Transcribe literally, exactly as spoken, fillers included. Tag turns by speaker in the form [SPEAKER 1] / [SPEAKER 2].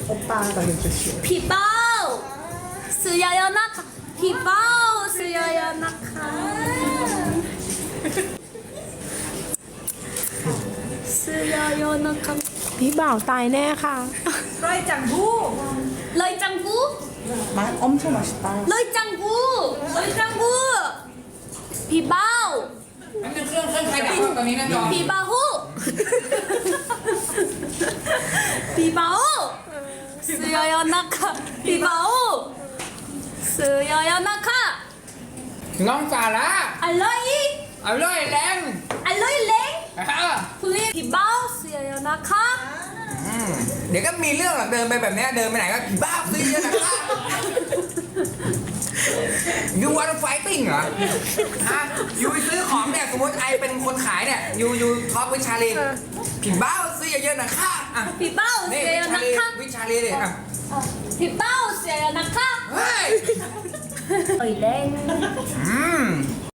[SPEAKER 1] 오빠가 해주시오.
[SPEAKER 2] พี่เป้าซื้อเยอะๆนะคะพี่เป้าซื้อเยอะๆนะคะซื้อเยอะๆนะคะ
[SPEAKER 3] พี่บ่าวตายแน่ค่ะ
[SPEAKER 1] 프라이 짱구.
[SPEAKER 2] เลยจังกู
[SPEAKER 1] 맛 엄청 맛있다.
[SPEAKER 2] เลยจังกูเลยจังกูพี่เป้า
[SPEAKER 4] นั่นเป็นเครื่องเครื่องใครดับตอนนี้นะจอ
[SPEAKER 2] พี่เป้าฮู้พี่เป้าซื้อเยอะๆนะคะพี่เป้าซื้อเยอะๆนะคะ
[SPEAKER 4] น้องสาระ
[SPEAKER 2] อร่อย
[SPEAKER 4] เอาเลยแรง
[SPEAKER 2] อร่อยเล้ง
[SPEAKER 4] อ่ะ
[SPEAKER 2] คุณพี่เป้าซื้อเยอะๆนะคะ
[SPEAKER 4] อืมเดี๋ยวก็มีเรื่องหรอกเดินไปแบบเนี้ยเดินไปไหนก็ผีบ้าซื้อเยอะนะครับ ยูวันไฟติ้งเหรอฮะยูไปซื้อของเนี่ยสมมติไอเป็นคนขายเนี่ยยูยูท็อปวิชาลีผีบ้าซื้อเยอะๆนะคะอ่ะ
[SPEAKER 2] พี่เป้า
[SPEAKER 4] นี่
[SPEAKER 2] ซื้อ
[SPEAKER 4] วิ
[SPEAKER 2] เยอะ
[SPEAKER 4] ชา
[SPEAKER 2] ๆ
[SPEAKER 4] ลี
[SPEAKER 2] นะคะ
[SPEAKER 4] วิชาลีดิอ่ะ
[SPEAKER 2] พี่เป้าซื้อเยอะๆนะคะ
[SPEAKER 4] เฮ้ย
[SPEAKER 2] เอ้ยเล้ง
[SPEAKER 4] อืม